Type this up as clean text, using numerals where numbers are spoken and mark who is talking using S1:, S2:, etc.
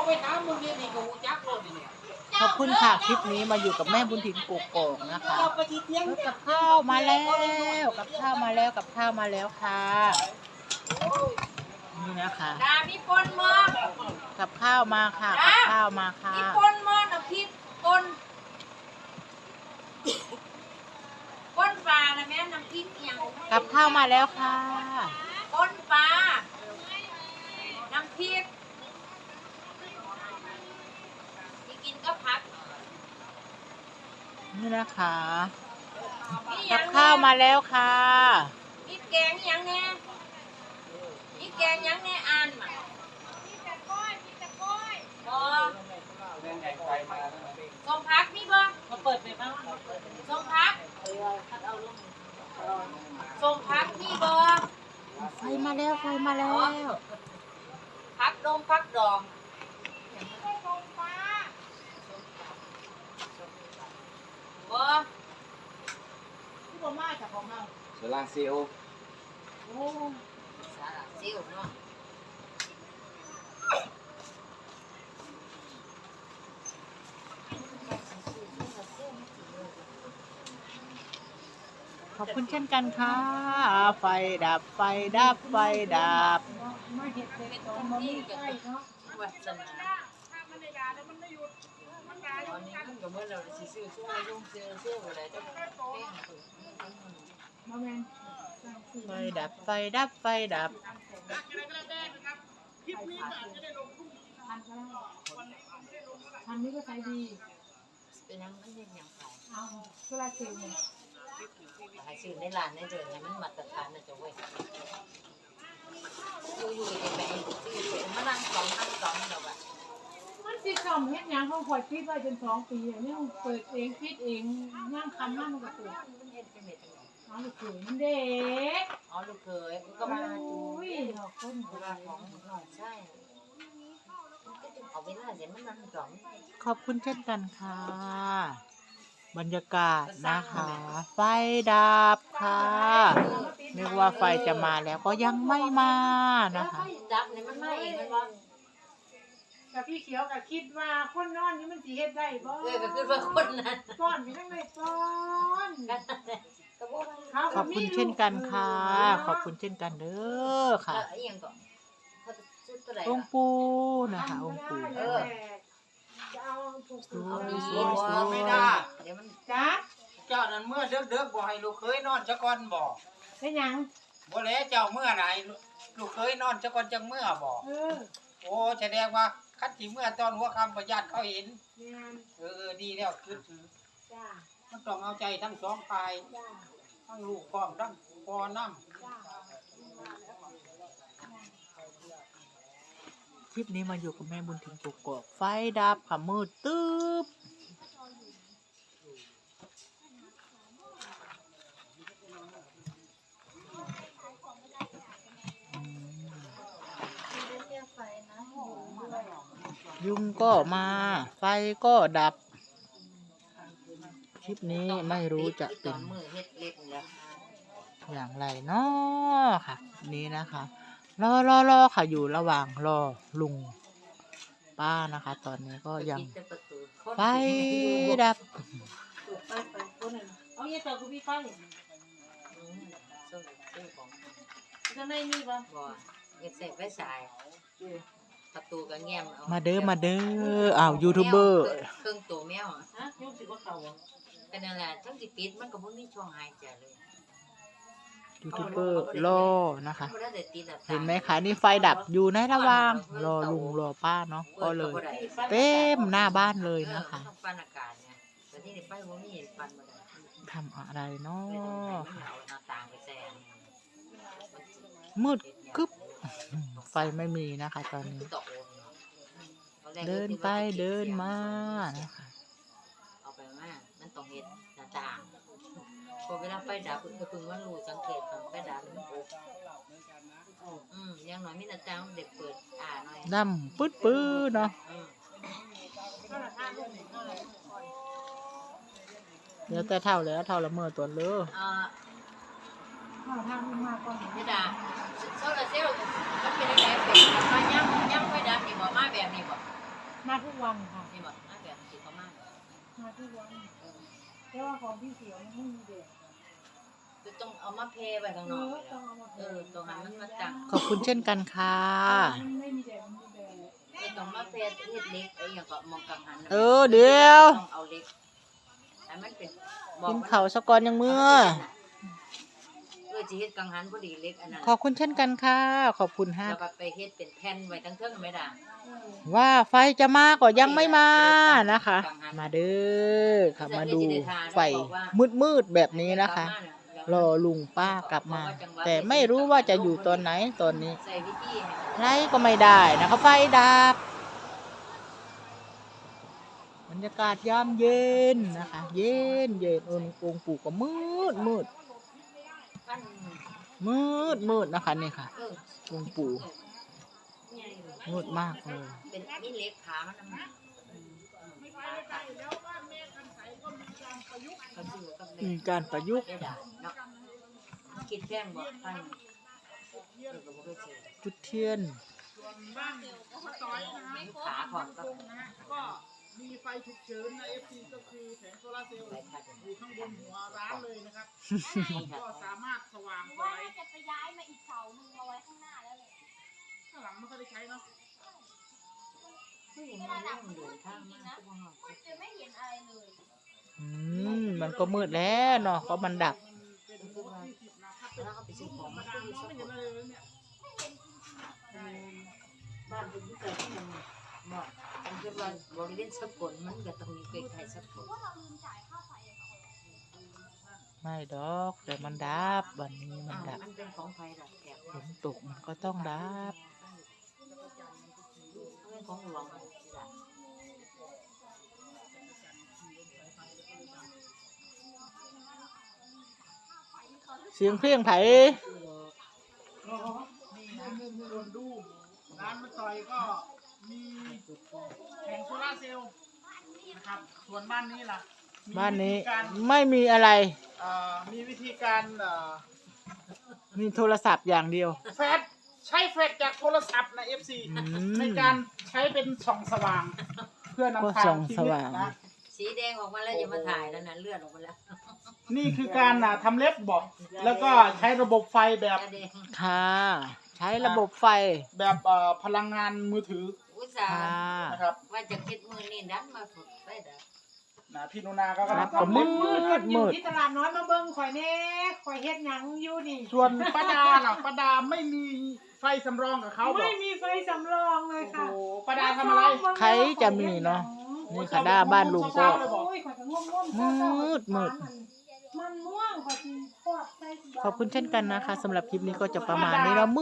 S1: ไปถามมึงนี่ก็หูจักโลดเนี่ย
S2: ขอบคุณค่ะคลิปนี้มาอยู่กับแม่บุญถิ่นกกอกนะคะกับข้าวมาแล้วกับข้าวมาแล้วกับข้าวมาแล้วค่ะนี่นะคะ
S3: มีปนมอ
S2: กับข้าวมาค่ะกับข้าวมาค่ะ
S3: มีปนมอน้ำพริกปนปลานะแม่น้ำพริกอย่าง
S2: กับข้าวมาแล้วค่ะ
S3: ปนปลาน้ำพริกที่กินก็พัก
S2: นี่นะคะกับข้าวมาแล้วค่ะ
S3: มีแกงยังแน่มีแกงยังแน่อ่านมามีแต่ก้อยบ่ส้มพักมีบ่
S1: มาเปิดไปบ้าง
S3: ส้มพักส้มพักมีบ่
S2: ไฟมาแล้วไฟมาแล้ว
S3: พักดองพักดองบ่
S1: ที่บ่มาจากของเรา
S4: โซลาเซลล์
S3: โอ้สาระเซลล์เนาะ
S2: ขอบคุณเช่นกันค่ะไฟดับไฟดับไฟดับ
S3: ไม่เห็นเป็นต้นที่ใกล้เนาะวัฒนาตอนนี้มันก็เมื่อเราซื้อช่วยยุ่งซื้ออะไรจะเป้ง
S2: ไฟดับไฟดับไฟดับ
S1: ทันนี้ก็ใช้ดี
S3: เป็นยังไม่เห็นยังขาย
S1: เอาโซลาเซลล์
S3: ขายซื้อในร้านในเดินเนี่ยมันมาตรฐานนะจ๊ะเว้ยอยู่จะไปซื้อมานั่งสองเดี๋ยวแบบ
S1: มันติดกล่องเฮ็ดยังเขาคอยคิดไว้จน2 ปีเนี่ยเปิดเองคิดเองย่างคำนั่งมันก็เปิด
S3: มันเห็นเป็นเม็ด
S1: อ๋อลูกเขยมันเด็ก
S3: อ๋อลูกเคยก็มา
S1: ดูดอกต้น
S3: เวลาของหน่อยใช่เอาเวลาเสร็จมันนั่งสอง
S2: ขอบคุณเช่นกันค่ะบรรยากาศนะคะไฟดับค่ะนึกว่าไฟจะมาแล้วก็ยังไม่มานะคะ
S3: ดับเนี่ยมันมาเองมันว่า
S1: กับพี่เขียวกับคิดว่าคนนอนนี่มันสิเฮ็ดได้บ่
S3: ก็คิดว่าคนนั้น
S1: ก้อนมีทั้งในก้อน
S2: ขอบคุณเช่นกันค่ะขอบคุณเช่นกันเด้อค่ะองค์ปู่นะคะองค์ปู่
S1: จะเอา
S4: ไม่ได้
S3: เดี๋ยวมัน
S1: จ้า
S4: เจ้านั้นเมื่อเด็กบ่ให้ลูกเคยนอนซะก่อนบ่
S1: เป็นหยัง
S4: บ่แล้วเจ้าเมื่อไหนลูกเคยนอนซะก่อนจังเมื่อบ่โอ้แสดงว่าคันสิเมื่อตอนหัวค่ำประหยัดเขาเห็นดีแล้วคือ
S1: จ้า
S4: มันต้องเอาใจทั้งสองฝ่ายทั้งลูกพร้อมทั้งพ่อน้ำ
S2: คลิปนี้มาอยู่กับแม่บุญถิ่นกกอกไฟดับค่ะมืดตึ๊บยุงก็มาไฟก็ดับคลิปนี้ไม่รู้จะเป็นอย่างไรเนาะค่ะนี้นะคะรอค่ะอยู่ระหว่างรอลุงป้านะคะตอนนี้ก็ยังไฟดับ
S1: เอาอย่าต่อกูพี่ไฟจะไม่มีป่ะ
S3: อย่าเสพไฟฉายประตูก็แง้ม
S2: มาเด้ออ้าวยูทูบเบอร์
S3: เครื่องตัวแมว
S1: ฮะยุ่งสิว่าเขา
S3: กันนั่นแหละทั้งสิปิดมันก็บ่มีช่องหายใจเลย
S2: ยูทูบเบอร์รอนะคะเห็นไหมคะนี่ไฟดับอยู่ในระหว่างรอลุงรอป้าเนาะก็เลยเต็มหน้าบ้านเลยนะคะทำอะไรเนาะมืดกึ๊บไฟไม่มีนะคะตอนนี้เดินไปเดินมานะคะ
S3: เอาไปมามันต้องเห็นหน้าต่างพอเวลาไฟดับก็คือว่ารู้สังเกตตอนไฟดับมันยังน้อยมีหน้าต่างเด็กเปิดหน่อย
S2: ดำปื้ดเนาะเดี๋ยวแต่เท่าแล้วเท่าละเมื่อตัวเลือ
S1: ทางมาก่อน
S3: ไม่ได้โซลาเซลล์มันเป็นยังไงเป็นมาย่ำไฟดับนี่บ่มาแบบนี้บ่
S1: มาทุกวันค่ะ
S3: นี่บอกน่าแบบสิเขามาก
S1: มาทุกวันแต่ว่าของพี่เสียวมันไม่มีแดด
S3: คือต้องเอามาเพไปข้างนอก
S1: ต้องเอามา
S3: ตรงนั้นมันมาจัง
S2: ขอบคุณเช่นกันค่ะ
S1: มันไม่มีแดดมันมีแดด
S3: ไอ้ตรงมาเพเฮ็ดเล็กไอ้อย่างก็มองกังหัน
S2: เดี๋ยว
S3: ต้องเอาเล็กแต่มันเป็น
S2: กินเขาวสะกอนยังเมื่อ
S3: จะเฮ็ดกังหันพอดีเล็กอันนั้น
S2: ขอบคุณเช่นกันค่ะ ขอบคุณฮะ
S3: แล้วก็ไปเฮ็ดเป็นแผ่นไว้ทั้งเทิงไม่ได้
S2: ว่าไฟจะมาก็ยังไม่มานะคะ มาเด้อค่ะมาดูไฟมืดๆแบบนี้นะคะ รอลุงป้ากลับมา แต่ไม่รู้ว่าจะอยู่ตอนไหนตอนนี้
S3: ใส่วิธีให้มัน
S2: ไล่ก็ไม่ได้นะคะไฟดับบรรยากาศยามเย็นนะคะ เย็นองค์ปู่ก็มืด
S3: มัน
S2: นะคะนี่ค่ะ
S3: เออ
S2: องค์ปู่มืดมากเลย
S3: เป็นมีเล็กขามันนำ
S2: มีการประยุกต์
S3: ได้ด่าเนาะคิดแพงบ่ท่านก็บ่เคยเจอ
S2: จุดเทียน
S3: ขาก่อนก็
S5: ก็มีไฟฉุกเฉินใน FC ก็คือแผงโซลาร์เซลล์อยู่ข้างบนหัวร้านเลยนะครับ ก็สามารถสว่างส
S6: ว่า
S5: วย
S6: จะไปย้ายมาอีกเสาหนึ่งมาไว้ข้างหน้าแล้วเลย
S5: ข้างหลังไม่ค่อยได้ใช้เนาะ
S3: ผู้หญิงมันนั่งเดินทางมาทุกวัน
S6: จะไม่เห็นอะไรเลย
S2: มันก็มืดแล้วเนาะเพราะมันดับ
S5: เป็นหัวที่10นะครับ
S3: แล้วก็ไปซื้อของมา
S5: ธรรม
S3: ซื้
S5: ดา
S3: อ
S5: มอง
S3: สั
S5: ไม่
S3: ก
S5: เห็นอะไรเลยเนี่ย
S3: บ้านเป็นที่เกิดที่มันบ่มันคือว่าบริเวณสกลมันก็ต้องมีใกล้ๆสกล
S6: ว่าเราลืมจ่ายค่าไฟอะค่ะ
S2: ไม่ดอกแต่มันดับวันนี้มันดับ
S3: มันเป็นของไฟดับแถบ
S2: ฝนตกมันก็ต้องดับ
S3: เป็นของหลวงมันดับ
S2: เสียงเพลงไผ
S5: นี่นะส่วนดูร้านมาต่อยก็มีแผงโซลาร์เซลล์นะครับส่วนบ้านนี้ล่ะมี
S2: บ้านนี้
S5: วิธีการ
S2: ไม่มีอะไร
S5: มีวิธีการ
S2: มีโทรศัพท์อย่างเดียว
S5: แฟลชใช้แฟลชจากโทรศัพท์ใน FC
S2: อืม
S5: ในการใช้เป็นส่องสว่าง เพื่อนำ
S2: ก็
S5: ทา
S2: ส่อง ง
S5: ชี
S2: ส
S5: วิต
S2: ว่าง
S5: นะ
S3: สีแดงออกมาแล้วอย่ามาถ่ายแล้วนะเลือดออกมาแล้ว
S5: นี่คือการทำเล็บบอกแล้วก็ใช้ระบบไฟแบบ
S3: แดง
S2: ค่ะ ใช้ระบบไฟ
S5: แบบพลังงานมือถือ
S3: อุตส่า
S2: ค่ะ
S3: ห์
S5: นะครับ
S3: ว่าจะคิดมือนี่ดันมาฝึกได้ดับ
S5: พี่นุนาก็
S2: ครั
S5: กำลั
S2: บ
S5: งทำเล็บ
S2: มืด
S1: อยู่ที่ตลาดน้อยมาเบิ่งข่อยแน่ข่อยเฮ็ดหยังอยู่นี่
S5: ส่วนป้าดาล่ะป้าดาไม่มีไฟสำรองกับเขาบอ
S1: ไม่
S5: ก
S1: มีไฟสำรองเลย
S5: โอ้
S1: ค่ะ
S5: โหป้าดาทำอะไร
S2: ใครจะมีเนาะ นี่ค่ะด้าบ้านลุงก็
S1: โอ้ยข่อยก็ง่วงๆ
S2: มืด
S1: มันม่วงข่อยสิทอดใส่
S2: ขอบคุณเช่นกันนะคะสำหรับคลิปนี้ก็จะประมาณนี้แล้ว